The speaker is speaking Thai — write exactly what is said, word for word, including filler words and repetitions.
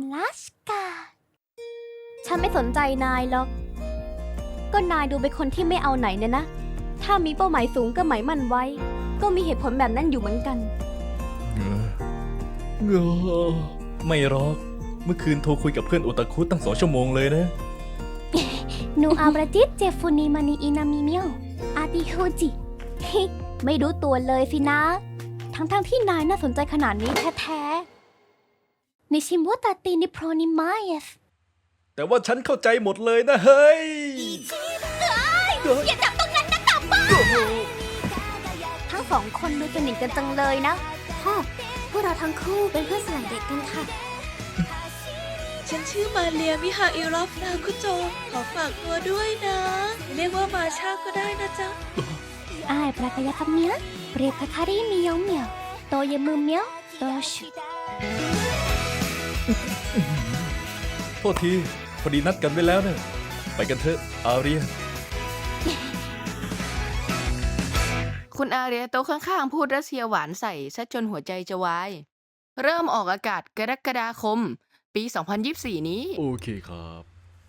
ลัสกาฉันไม่สนใจนายหรอกก็นายดูเป็นคนที่ไม่เอาไหนเนี่ยนะถ้ามีเป้าหมายสูงก็หมายมั่นไว้ก็มีเหตุผลแบบนั้นอยู่เหมือนกันเงอเงอไม่หรอกเมื่อคืนโทรคุยกับเพื่อนโอตาคุตั้งสองชั่วโมงเลยนะนูอาบราจิตเจฟูนีมานีอินามิเมียวอาติโฮจิ ไม่รู้ตัวเลยสินะ ทั้งๆทที่นายน่าสนใจขนาดนี้แท้ๆนิชิมุตาตินิโพรนิมาเอสแต่ว่าฉันเข้าใจหมดเลยนะเฮ้ยอย่าจับตรงนั้นนะกลับบ้านทั้งสองคนดูสนิทกันจังเลยนะพ่อพวกเราทั้งคู่เป็นเพื่อนสมัยเด็กกันค่ะฉันชื่อมาเลียมิฮาอิรอฟนาคุโจ ขอฝากตัวด้วยนะ เรียกว่ามาชาก็ได้นะจ๊ะอายปรากยาคำเมียเรียกคาคารีเมียวเมียวโตยมือเมียวโตชุโทษทีพอดีนัดกันไว้แล้วเนะไปกันเถอะอาเรียคุณอาเรียโต๊ะข้างๆพูดรัสเซียหวานใส่ซะจนหัวใจจะวาย เริ่มออกอากาศกรกฎาคม ปี สองพันยี่สิบสี่ นี้โอเคครับ